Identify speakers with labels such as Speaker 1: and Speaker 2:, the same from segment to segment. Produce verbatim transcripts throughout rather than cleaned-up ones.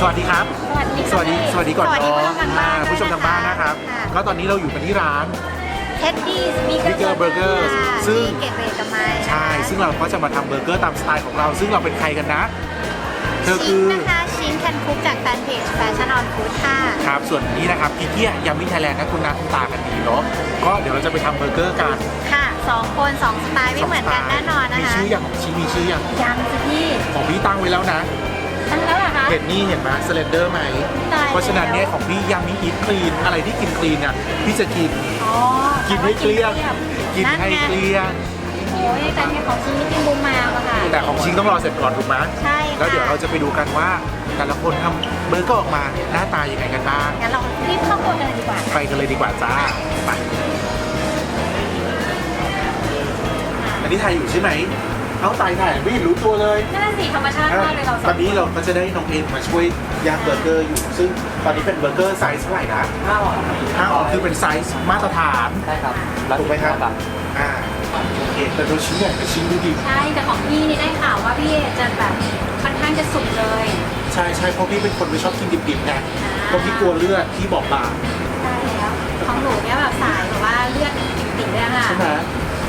Speaker 1: วัสดีครับ
Speaker 2: สวัสดี
Speaker 1: สวัสดีก่อน
Speaker 2: สวัสดี
Speaker 1: เนาะ
Speaker 2: ผู้ชมทางบ้าน
Speaker 1: อ่าผู้ชมทางบ้านนะครับ
Speaker 2: ค่ะ
Speaker 1: ก็ตอนนี้เราอยู่กันที่ร้าน
Speaker 2: เท็ดดี้บีเกอ
Speaker 1: Bigger
Speaker 2: ร์
Speaker 1: Burger ซึ่ง
Speaker 2: เกตเวย์กับไม้
Speaker 1: ใช่ ซึ่งเราก็จะมาทำเบอร์เกอร์ตามสไตล์ของเรา ซึ่งเราเป็นใครกันนะ เธอ
Speaker 2: ชิ้
Speaker 1: คื
Speaker 2: น
Speaker 1: อ
Speaker 2: นะคะชิ้นแคนคุกจากแฟนเพจแฟชั่นออนฟู้ดค่ะ
Speaker 1: ครับ ส่วนนี้นะครับพี่เกียยามิไทยแลนด์นะคุณนาคุณตากันดีเนาะ ก็เดี๋ยวเราจะไปทำเบอร์เกอร์กัน
Speaker 2: ค่ะสองคนสองสไตล์ไม่เหมือนกันแน่นอนนะ
Speaker 1: มี
Speaker 2: คะ
Speaker 1: ชื่ออย่างของชิ้นมีชื่ออย่าง
Speaker 2: ยังสิพี่
Speaker 1: ของพี่ตั้งไว้แล้วนะ
Speaker 2: ตั้งแล้วเหรอคะ
Speaker 1: เห็นนี่เห็นไหมสเลนเดอร์ไหม
Speaker 2: ตายแล้ว
Speaker 1: เพราะฉะนั้นเนี่ยของพี่ยังมีอีทคลีนอะไรที่กินคลีนอ่ะพี่จะกิน
Speaker 2: อ๋อ
Speaker 1: กินให้เกลี้ยง กินให้
Speaker 2: นั่นไง
Speaker 1: เกลี้ยง
Speaker 2: โอ้ยแต่เนี่ยของชิ้นนี่กินบูมมาอะค่ะ
Speaker 1: แต่ของชิงต้องรอเสร็จก่อนถูกไหม
Speaker 2: ใช่ค่ะ
Speaker 1: แล้วเดี๋ยวเราจะไปดูกันว่าแต่ละคนทำเบอร์เกอร์ออกมาหน้าตายังไงกันบ้าง
Speaker 2: งั้นเรารีบเข้าครัวกันเลยดีกว่า
Speaker 1: ไปกันเลยดีกว่าจ้า ไป อันนี้ถ่ายอยู่ใช่ไหม เอาตายถ่ายไม่เห็นรู้ตัวเลย
Speaker 2: นั่นสิธรรมชาติมากเลยเราสอง
Speaker 1: ตอนนี้เราก็จะได้น้องเอ็มมาช่วยย่างเบอร์เกอร์อยู่ ซึ่งตอนนี้เป็นเบอร์เกอร์ไซส์เท่าไหร่นะ
Speaker 3: ห้าออน
Speaker 1: ห้าออนซ์คือเป็นไซส์มาตรฐาน
Speaker 3: ใช่ครับ
Speaker 1: ถูกไหมครับ อ่า โอเค แต่ดูชิ้นใหญ่กับชิ้นดูดิ
Speaker 2: ใช่แต่ของพี่นี่ได้ข่าวว่าพี่จะแบบค่อนข้างจะสุกเลย
Speaker 1: ใช่ใช่เพราะพี่เป็นคนไม่ชอบกินดิบๆไงเพราะพี่กลัวเลือดพี่บอกบาง
Speaker 2: ใช่แล้วของหนูเนี่ยแบบสายแบบว่าเลือดติดๆเลยอะค่ะ
Speaker 1: ใช่ไหม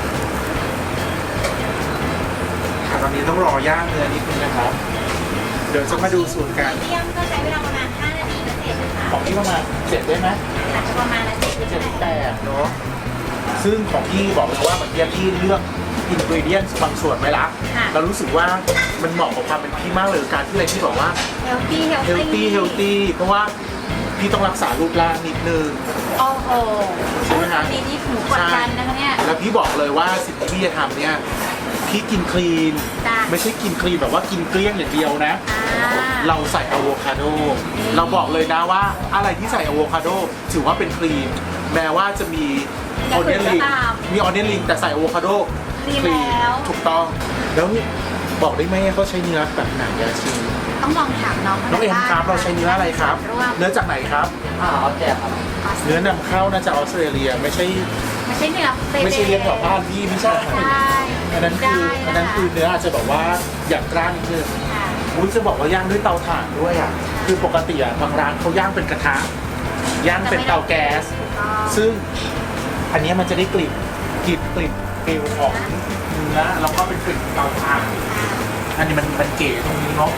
Speaker 1: ค่ะตอนนี้ต้องรอย่างเนื้อนิดนึงนะครับ เดี๋ยวจะมาดูสูตรกัน
Speaker 2: เยี่ยมก็ใช้เวลาประมาณห้านาทีนะเสร็จนะคะ
Speaker 1: ของพี่ประมาณเจ็ดได้ไหม
Speaker 2: อาจจะประมาณนั้นเสร็จ
Speaker 1: เจ็ดแปดเนาะ ซึ่งของพี่บอกเลยว่าเหมือนที่พี่เลือกอินกรีเดียนบางส่วนไว้ละเรารู้สึกว่ามันเหมาะกับความเป็นพี่มากเลยการที่อะไรที่บอกว่า
Speaker 2: เฮลตี้เฮล
Speaker 1: เฮลตี้เฮลตี้เพราะว่าพี่ต้องรักษารูปร่างนิดนึง
Speaker 2: โอ้โห
Speaker 1: ใช่ไหมคะ
Speaker 2: ดีที่หนูกดดันนะคะเนี่ย
Speaker 1: แล้วพี่บอกเลยว่าสิ่งที่พี่จะทำเนี่ยพี่กินคลีน
Speaker 2: จ้ะ
Speaker 1: ไม่ใช่กินคลีนแบบว่ากินเกลี้ยงอย่างเดียวนะ
Speaker 2: อ่า
Speaker 1: เราใส่อะโวคาโด เราบอกเลยนะว่าอะไรที่ใส่อะโวคาโดถือว่าเป็นคลีน แม้ว่าจะมีออเนียนลิงมีออเนียนลิงแต่ใส่อะโวคาโด
Speaker 2: คลีนแล้ว
Speaker 1: ถูกต้อง แล้วบอกได้ไหมเขาใช้เนื้อแบบไหนอะชิง
Speaker 2: ต้องลองถามน้อง
Speaker 1: น้องเอ็มครับเราใช้เนื้ออะไรครับ
Speaker 2: ร่วม
Speaker 1: เนื้อจากไหนครับ
Speaker 3: ห้าออนแจกครับ
Speaker 1: เนื้อนำเข้าน่าจะออสเตรเลียไม่ใช่
Speaker 2: ไม่ใช่เนื้อเบเบ้
Speaker 1: ไม่ใช่เลี้ยงแถวบ้านพี่ไม่ใช่
Speaker 2: ใช่
Speaker 1: อันนั้นคืออันนั้นคือเนื้ออาจจะแบบว่าอย่างกล้างนิดนึง
Speaker 2: ค่ะ
Speaker 1: อุ้ยจะบอกว่าย่างด้วยเตาถ่านด้วยอ่ะ คือปกติอ่ะบางร้านเขาย่างเป็นกระทะ ย่างเป็นเตาแก๊ส ซึ่งอันเนี้ยมันจะได้กลิ่นกลิ่นกลิ่นฟิลของเนื้อแล้วก็เป็นกลิ่นเตาถ่าน อันนี้มันมันเก๋ตรงนี้เนาะ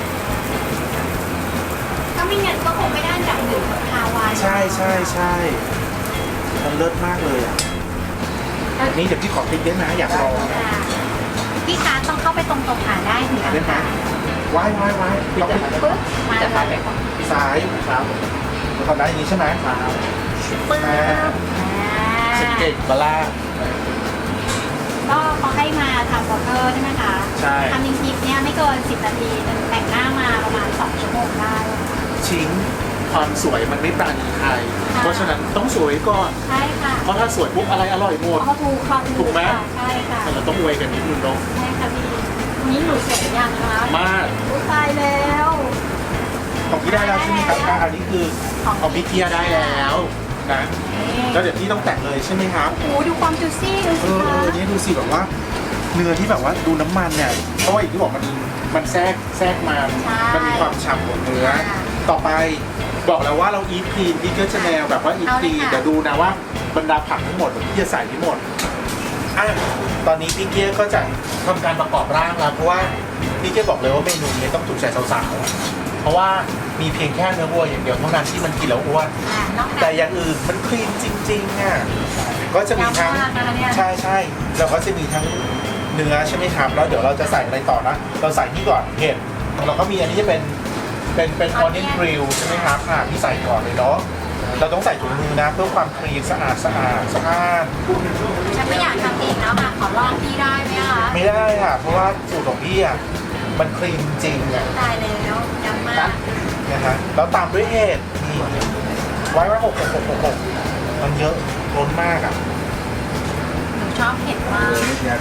Speaker 2: ถ้าไม่งั้นก็คงไม่ได้จากหนึ่งคาวาย
Speaker 1: ใช่ใช่ใช่มันเลิศมากเลยอ่ะอันนี้เดี๋ยวพี่ขอติ๊กได้ไหมอยากลองนะ
Speaker 2: ค่ะพี่คะต้องเข้าไปตรงๆหาได้ถึง
Speaker 1: ได้ไหมว้ายว้ายว้ายเราไป
Speaker 2: ปึ๊บมา
Speaker 3: จะ
Speaker 2: เล
Speaker 3: ขาย
Speaker 2: ย
Speaker 3: ไหมครับ
Speaker 1: ซ้าย
Speaker 3: ครับ
Speaker 1: เราทำได้อย่างนี้ใช่ไหม
Speaker 3: ครับ
Speaker 2: ปึ๊บอ่า
Speaker 1: สเก็ตบาร่า
Speaker 2: ก็เขาให้มาทำบล็อกเกอร์ใช่ไหมคะ
Speaker 1: ใช่
Speaker 2: ทำจริงๆเนี่ยไม่เกินสิบนาทีแต่งหน้ามาประมาณสองชั่วโมงได้
Speaker 1: ชิงความสวยมันไม่ปราณีใคร เพราะฉะนั้นต้องสวยก่อน
Speaker 2: ใช่ค่ะ
Speaker 1: เพราะถ้าสวยปุ๊บอะไรอร่อยหมด
Speaker 2: เขาถูกเขา
Speaker 1: ถูกไหม
Speaker 2: ค่ะใช่ค่ะ
Speaker 1: แต่เราต้องอวยกันนิดนึงเนาะ
Speaker 2: ใช่ค่ะพี่วันนี้หนูเสร็จหรือยังคะ
Speaker 1: มาก
Speaker 2: อุ๊ยตายแล้ว
Speaker 1: ของพี่ได้แล้วใช่ไหมครับอ่ะอันนี้คือของพี่เกียร์ได้แล้วนะแล้วเดี๋ยวพี่ต้องแต่งเลยใช่ไหมครับ
Speaker 2: โอ้โหดูความจูซี่ดู
Speaker 1: เอ
Speaker 2: สิ
Speaker 1: อ
Speaker 2: คะ
Speaker 1: เออเนี่ยดูสิแบบว่าเนื้อที่แบบว่าดูน้ำมันเนี่ยเพราะว่าอย่างที่บอกมันมันแทรกแทรกมามันมีความฉ่ำของเนื้อ ต่อไปบอกแล้วว่าเราอีทคลีนพี่ก็จะแนวแบบว่าอีทคลีนเดี๋ยวดูนะว่าบรรดาผักทั้งหมดพี่จะใส่ทั้งหมดอ่ะตอนนี้พี่เกียร์ก็จะทำการประกอบร่างแล้วเพราะว่าพี่เกียร์บอกเลยว่าเมนูนี้ต้องถูกใจสาวๆเพราะว่ามีเพียงแค่เนื้อวัวอย่างเดียวเท่านั้นที่มันกินแล้วอ้วน
Speaker 2: อ่านอก
Speaker 1: แต่
Speaker 2: จาก
Speaker 1: อย่างอื่นมันคลีนจริงๆอ่ะก็จะมีทั้ง
Speaker 2: ยำมากนะคะเนี่ย
Speaker 1: ใช่ใช่เราก็จะมีทั้งเนื้อใช่ไหมครับแล้วเดี๋ยวเราจะใส่อะไรต่อนะเราใส่นี่ก่อนเห็ดเราก็มีอันนี้จะเป็นเป็นเป็นออนเนียนกริลใช่ไหมครับอ่าพี่ใส่ก่อนเลยเนาะเราต้องใส่ถุงมือนะเพื่อความคลีนสะอาดสะอาดสะอาด
Speaker 2: ฉันไม่อยากทำเองแล้วค่ะขอลองพี่ได้ไหมคะ
Speaker 1: ไม่ได้ค่ะเพราะว่าสูตรของพี่อ่ะมันคลีนจริงอ่ะ
Speaker 2: ตายแล้วยำมาก
Speaker 1: นะฮะแล้วตามด้วยเห็ดนี่ไว้ไว้หกหกหกหกหกมันเยอะล้นมากอ่ะ
Speaker 2: หนูชอบเผ็ดมาก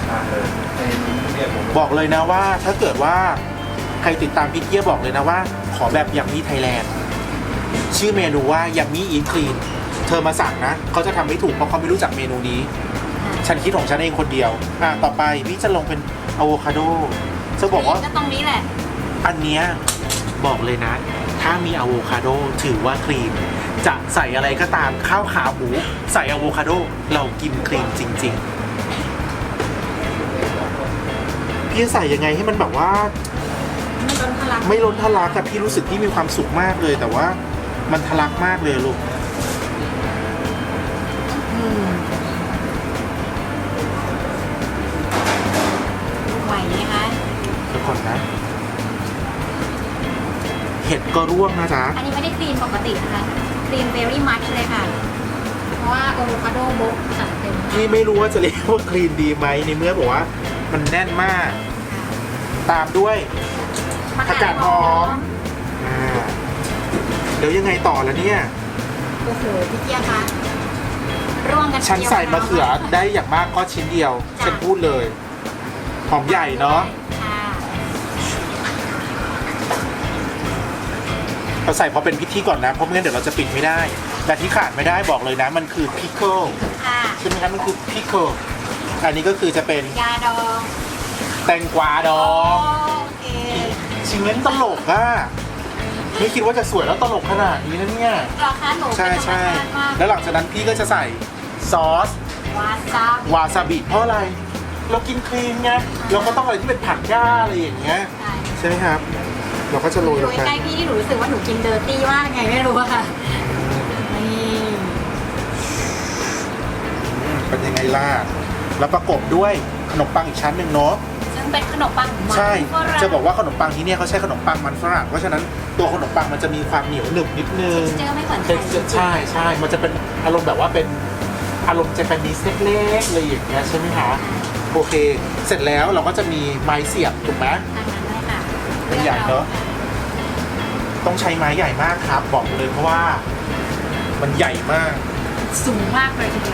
Speaker 1: บอกเลยนะว่าถ้าเกิดว่าใครติดตามพี่เกียร์บอกเลยนะว่า ขอแบบยัมมี่ไทยแลนด์ชื่อเมนูว่ายัมมี่อีทคลีนเธอมาสั่งนะเขาจะทำไม่ถูกเพราะเขาไม่รู้จักเมนูนี้ ฉันคิดของฉันเองคนเดียวอ่ะต่อไปพี่จะลงเป็นอะโวคาโดจะบอกว่า
Speaker 2: ก็ตรงนี้แหละ
Speaker 1: อันเนี้ยบอกเลยนะถ้ามีอะโวคาโดถือว่าคลีนจะใส่อะไรก็ตามข้าวขาหมูใส่อะโวคาโดเรากินคลีนจริงๆพี่จะใส่ยังไงให้มันแบบว่า
Speaker 2: ไม่ล้นทะลัก
Speaker 1: ไม่ล้นทะลักแต่พี่รู้สึกพี่มีความสุขมากเลย แต่ว่ามันทะลักมากเลยลูกอืม
Speaker 2: ไหวไหมคะ
Speaker 1: เดี๋ยวก่อนนะ เห็ดก็ร่วงนะจ๊ะ
Speaker 2: อันนี้ไม่ได้คลีนปกตินะคะคลีน very much เลยค่ะ เพราะว่าอะโวคาโดโบกจัดเต็ม
Speaker 1: พี่ไม่รู้ว่าจะเรียกว่าคลีนดีไหมในเมื่อบอกว่ามันแน่นมาก ตามด้วย ผักกาดหอม อ่าเดี๋ยวยังไงต่อแล้วเนี่ย
Speaker 2: โอ้โหพี่เกียร์คะร่วงกัน
Speaker 1: ฉันใส่มะเขือได้อย่างมากก็ชิ้นเดียว ฉันพูดเลย หอมใหญ่เนาะ
Speaker 2: ค่ะ
Speaker 1: เราใส่พอเป็นพิธีก่อนนะ เพราะไม่งั้นเดี๋ยวเราจะปิดไม่ได้ แต่ที่ขาดไม่ได้บอกเลยนะ มันคือพิคเกิล
Speaker 2: ค่ะ
Speaker 1: ใช่ไหมครับมันคือพิคเกิลอันนี้ก็คือจะเป็น
Speaker 2: ยาดอง
Speaker 1: แตงกวาดอง
Speaker 2: โอเค
Speaker 1: ชิงเล่นตลกอะไม่คิดว่าจะสวยแล้วตลกขนาดนี้นะเนี่ย
Speaker 2: ราคาหนู
Speaker 1: ใช่
Speaker 2: เป็นธรรม
Speaker 1: ใช่
Speaker 2: ชาติมาก
Speaker 1: แล้วหลังจากนั้นพี่ก็จะใส่ซอส
Speaker 2: วาซาบิ
Speaker 1: วาซาบิเพราะอะไร เรากินคลีนไงเราก็ต้องอะไรที่เป็นผักหญ้าอะไรอย่างเงี้ย
Speaker 2: ใช่
Speaker 1: ใช่ไหมครับ เราก็จะโรย
Speaker 2: อ
Speaker 1: ล
Speaker 2: ยู่
Speaker 1: งไป
Speaker 2: ใกล้ๆพี่ที่หนูรู้สึกว่าหนูกินเดอร์ตี้มากไงไม่รู้อะค่ะนี่
Speaker 1: อืมเป็นยังไงล่ะแล้วประกบด้วยขนมปังอีกชั้นหนึ่งเนาะ
Speaker 2: ซึ่งเป็นขนมปังมัน
Speaker 1: ใช่
Speaker 2: ฝรั่ง
Speaker 1: จะบอกว่าขนมปังที่เนี่ยเขาใช้ขนมปังมันฝรั่งเพราะฉะนั้นตัวขนมปังมันจะมีความเหนียวหนึบนิดนึง
Speaker 2: texture ไม่เหมือนไทย
Speaker 1: texture ใช่ใช่มันจะเป็นอารมณ์แบบว่าเป็นอารมณ์เจแปนนิสเล็กๆเลยอย่างเงี้ยใช่ไหมคะโอเค เสร็จแล้วเราก็จะมีไม้เสียบถูกไหม
Speaker 2: ทางนั้นเลยค่ะ
Speaker 1: เป็นใหญ่เนอะ ต้องใช้ไม้ใหญ่มากครับ บอกเลยเพราะว่ามันใหญ่มาก
Speaker 2: สูงมากเลยทีเดียว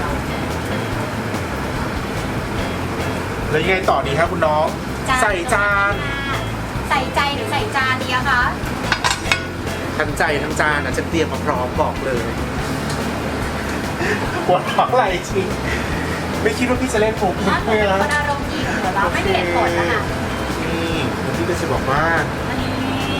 Speaker 1: แล้วยังไงต่อดีครับคุณน้อง ใส่จาน
Speaker 2: ใส่ใจหรือใส่จานดีอะคะ
Speaker 1: ทั้งใจทั้งจานอ่ะจะเตรียมมาพร้อมบอกเลยปวดท้องไหลจริงไม่คิดว่าพี่จะเล่นผม
Speaker 2: ถ้าหนู
Speaker 1: เลย
Speaker 2: เป็น
Speaker 1: นะ
Speaker 2: คนอารมณ์ดีเหมือนเราไม่มีเหตุผลนะคะ
Speaker 1: นี่แล้วพี่ก็จะบอกว่า
Speaker 2: อันนี้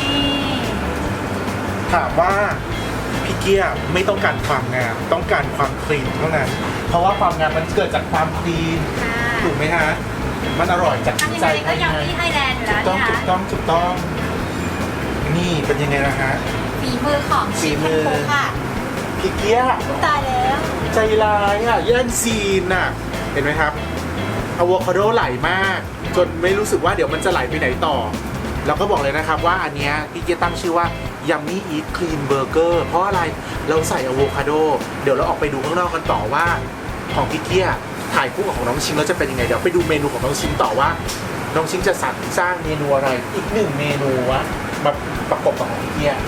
Speaker 1: ถามว่าพี่เกียร์ไม่ต้องการความงามต้องการความคลีนเท่านั้น เพราะว่าความงามมันเกิดจากความคลีน
Speaker 2: ค่ะ
Speaker 1: ถูกไหมฮะมันอร่อยจาก
Speaker 2: ทำยัง
Speaker 1: ใจ
Speaker 2: ไงก็ยังที่ไทยแลนด์อยู่
Speaker 1: ถู
Speaker 2: แล้ว
Speaker 1: กต้อง
Speaker 2: เนี่ย
Speaker 1: ถูกต้องถูกต้อง นี่เป็นยังไงนะฮะ
Speaker 2: ฝีมือของ
Speaker 1: ฝี
Speaker 2: ชิค
Speaker 1: มื
Speaker 2: แอน
Speaker 1: อ
Speaker 2: โคค่ะ
Speaker 1: พี่เกียร์
Speaker 2: ตายแล้ว
Speaker 1: ใจร้ายอ่ะแย่งซีนอ่ะ เห็นไหมครับอะโวคาโดไหลมาก จนไม่รู้สึกว่าเดี๋ยวมันจะไหลไปไหนต่อ แล้วก็บอกเลยนะครับว่าอันเนี้ยพี่เกียร์ตั้งชื่อว่า Yummy Eat Clean Burger เพราะอะไรเราใส่อะโวคาโดเดี๋ยวเราออกไปดูข้างนอกกันต่อว่าของพี่เกียร์ถ่ายคู่กับของน้องชิงแล้วจะเป็นยังไงเดี๋ยวไปดูเมนูของน้องชิงต่อว่าน้องชิงจะสรรสร้างเมนูอะไรอีกหนึ่งเมนูวะมาประกบกับของพี่เกียร์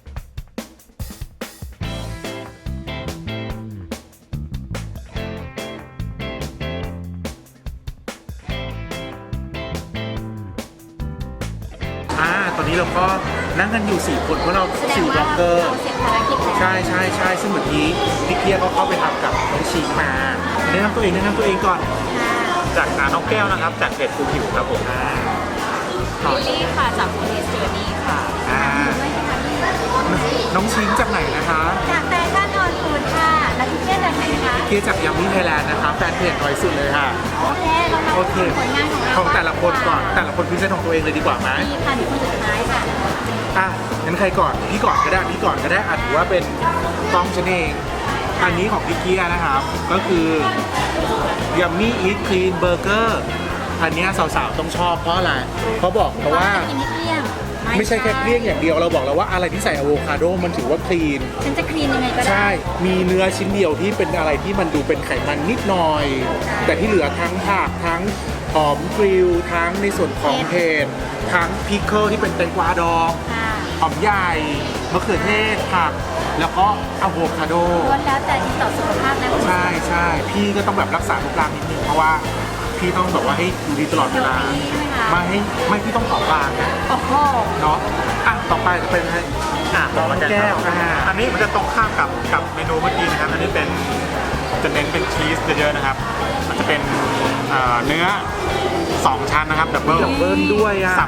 Speaker 1: อ่า ตอนนี้เราก็นั่งกันอยู่สี่คนเพราะเรา
Speaker 2: แสดง
Speaker 1: สี่บ
Speaker 2: ว่า
Speaker 1: ล็อกเกอร์
Speaker 2: เราเสร็จภารกิจแล้ว
Speaker 1: ใช่ใช่ใช่ซึ่งเมื่อกี้พี่เกียร์ก็เข้าไปทำกับน้องชีมาแนะนำตัวเองแนะนำตัวเองก่อน
Speaker 2: ค่ะ
Speaker 3: จากอ่าน้องแก้วนะครับ จากเพจฟูผิวครับผม
Speaker 1: อ่า
Speaker 2: ลิลลี่ค่ะจากโมเดสเจอร์นี่ค่ะ
Speaker 1: อ่า
Speaker 2: ด้วยค่ะพี่
Speaker 1: น้องชิงจากไหนนะคะ
Speaker 2: จากแฟชั่นออนฟูดค่ะ แล้วพี่เพื่อนจากไหนคะ
Speaker 1: เกียร์จากยัมมี่ไทยแลนด์นะคะแฟนเพจน้อยสุดเลยค่ะ
Speaker 2: โอเค เรามา
Speaker 1: โอเค
Speaker 2: ผลงานของเรา
Speaker 1: ของแต่ละคนก่อน แต่ละคนพิเศษของตัวเองเลยดีกว่าไหม
Speaker 2: นี่ค่ะหนูคนสุดท้ายค่ะ
Speaker 1: อ่ะงั้นใครก่อนพี่ก่อนก็ได้พี่ก่อนก็ได้อ่ะถือว่าเป็นกล้องฉันเองอันนี้ของพี่เกียร์นะครับ ก็คือ Yummy Eat Clean Burger อันเนี้ยสาวๆต้องชอบเพราะอะไรเพราะบอกเพราะว่า
Speaker 2: กินไม่เกลี้ยง
Speaker 1: ไม่ใช่แค่เกลี้ยงอย่างเดียวเราบอกแล้วว่าอะไรที่ใส่อะโวคาโดมันถือว่าคลีน
Speaker 2: ฉันจะคลีนยังไงก็ได้
Speaker 1: ใช่ มีเนื้อชิ้นเดียวที่เป็นอะไรที่มันดูเป็นไขมันนิดหน่อย แต่ที่เหลือทั้งผักทั้งหอมกริลทั้งในส่วนของเห็ดทั้งพิคเกิลที่เป็นแตงกวาดอง
Speaker 2: ค่ะ
Speaker 1: หอมใหญ่มะเขือเทศผัก แล้วก็อะโวคาโด
Speaker 2: ล้วนแล้วแต่ดีต่อสุขภาพนะคุณผู้ชม
Speaker 1: ใช่ใช่พี่ก็ต้องแบบรักษารูปร่างนิดนึงเพราะว่าพี่ต้องแบบว่าให้ดูดีตลอดเวลา
Speaker 2: เดี๋ยวนี้ใช่ไหมคะ
Speaker 1: ไม่ให้ไม่พี่ต้องผอมบางนะ
Speaker 2: โอ้โห
Speaker 1: เนาะอ่ะต่อไปจะเป็นให้
Speaker 3: อ่าต่อมา
Speaker 1: แก้
Speaker 3: แก้
Speaker 1: ว
Speaker 3: ว
Speaker 1: อ่า
Speaker 3: อันนี้มันจะตรงข้ามกับกับเมนูเมื่อกี้นะครับ อันนี้เป็นจะเน้นเป็นชีสเยอะๆนะครับ มันจะเป็นเอ่อเนื้อสองชั้นนะครับดับเบิล
Speaker 1: ดับเบิลด้วยอ่ะ
Speaker 3: สับ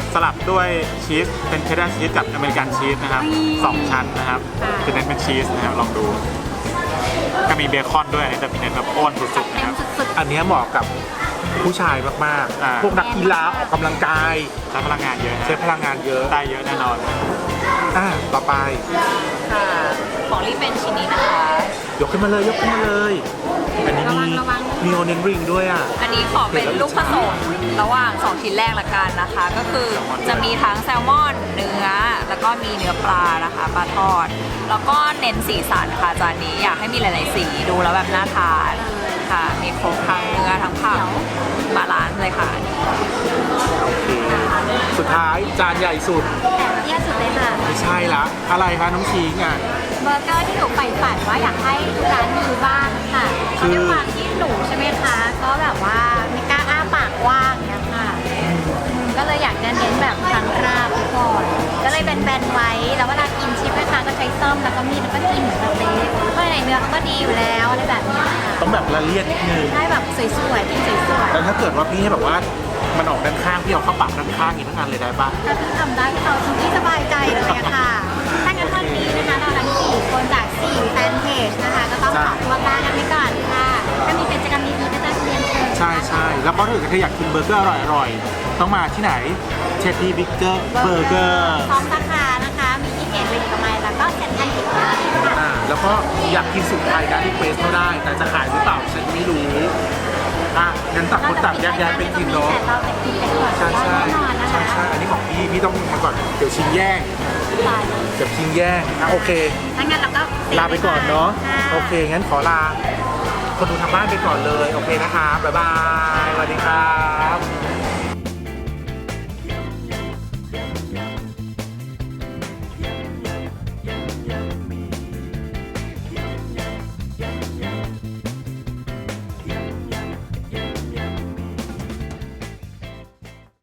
Speaker 3: สลับด้วยชีสเป็นเชดดาร์ชีสกับอเมริกันชีสนะครับสองชั้นนะครับจะเน้นเป็นชีสนะครับลองดูก็มีเบคอนด้วยอันนี้จะเป็นเน้นแบบอ้วนสุดๆ
Speaker 2: เต็
Speaker 3: นะค
Speaker 2: ม
Speaker 3: รับ
Speaker 2: สุด
Speaker 1: อันเนี้ยเหมาะกับผู้ชายมาก
Speaker 3: อ่า
Speaker 1: ๆ พวกนักกีฬาออกกำลังกาย
Speaker 3: ใช้พลังงานเยอะนะ
Speaker 1: ใช้พลังงานเยอะ
Speaker 3: ได้เยอะแน่นอน
Speaker 1: อ่าต่อไป
Speaker 4: ค่ะ ของรีบเป็นชิ้นนี้นะคะ
Speaker 1: ยกขึ้นมาเลยยกขึ้นมาเลย อันนี้มีมีโอเนนริงด้วยอ่ะ
Speaker 4: อันนี้ขอเป็นลูกผสมระหว่างสองชิ้นแรกละกันนะคะ ก็คือจะมีทั้งแซลมอนเนื้อ แล้วก็มีเนื้อปลานะคะปลาทอด แล้วก็เน้นสีสันค่ะจานนี้อยากให้มีหลาย ๆ สีดูแล้วแบบน่าทานค่ะ มีครบทั้งเนื้อทั้งผักบาลานซ์เลยค่ะ
Speaker 1: โอเค สุดท้ายจานใหญ่สุด
Speaker 2: ๆแต่เตี้ยสุดเลยค่ะ
Speaker 1: ไม่ใช่ละอะไรคะน้องชิงอ่ะ
Speaker 2: เบอร์เกอร์ที่หนูใฝ่ฝันว่าอยากให้ทุกร้านมีบ้างค่ะเพราะด้วยความที่หนูใช่ไหมคะ ก็แบบว่าไม่กล้าอ้าปากกว้างเนี่ยค่ะอืมก็เลยอยากจะเน้นแบบทางราบไปก่อน ก็เลยเป็นแบนๆไว้ แล้วเวลากินชิปนะคะก็ใช้ซ่อมแล้วก็มีดแล้วก็กินเหมือนสเต็กเพราะในเนื้อเขาก็ดีอยู่แล้วอะไรแบบนี้ค่ะ
Speaker 1: ต้องแบบละเลียดนิดนึง
Speaker 2: ได้แบบสวยๆกินสวย
Speaker 1: แล้วถ้าเกิดว่าพี่ให้แบบว่ามันออกด้านข้างพี่เอาเข้าปากด้านข้างอีกทั้งอันเลยได้ปะ
Speaker 2: ๆถ้าพี่ทำได้พี่เอาทุกที่สบายใจเลยอะค่ะ ถ้างั้นวันนี้นะคะเราทั้งสี่คนจากสี่แฟนเพจนะคะ ก็ต้องขอตัวลากันไปก่อนค่ะ ถ้ามีกิจกรรมดีๆก็จะเรียนเชิญ
Speaker 1: ใช่ใช่แล้วก็ถ้าเกิดใครอยากกินเบอร์เกอร์อร่อยๆ ต้องมาที่ไหนเชฟดี้บิ๊กเกอร์เบอร์เกอร์
Speaker 2: พร้อมสาขานะคะ มีที่เกตเวทีกับไมล์แล้วก็เซ็นทรัลกิจค่ะ
Speaker 1: อ่าแล้วก็อยากกินสุดไทยนะรีเควสเขาได้ แต่จะขายหรือเปล่าฉันไม่รู้อ่ะงั้นต่างคนต่างแยกย้ายไปกินเนาะ
Speaker 2: แต่เราจะกินไปก่อน
Speaker 1: ใช่ใช่
Speaker 2: แน่นอนนะ
Speaker 1: ใช่
Speaker 2: คะ
Speaker 1: ใช่อันนี้ของพี่พี่ต้องมาก่อนเดี๋ยวชิงแย่ง
Speaker 2: ตาย
Speaker 1: เดี๋ยวชิงแย่งอ่ะโอเค
Speaker 2: ถ้างั้นเราก็เซ็
Speaker 1: ลาไปก่อนเนาะ
Speaker 2: ค่
Speaker 1: โอเค งั้นขอลา คนดูทางบ้านไปก่อนเลย โอเคนะคะ บ๊ายบาย สวัสดีครับ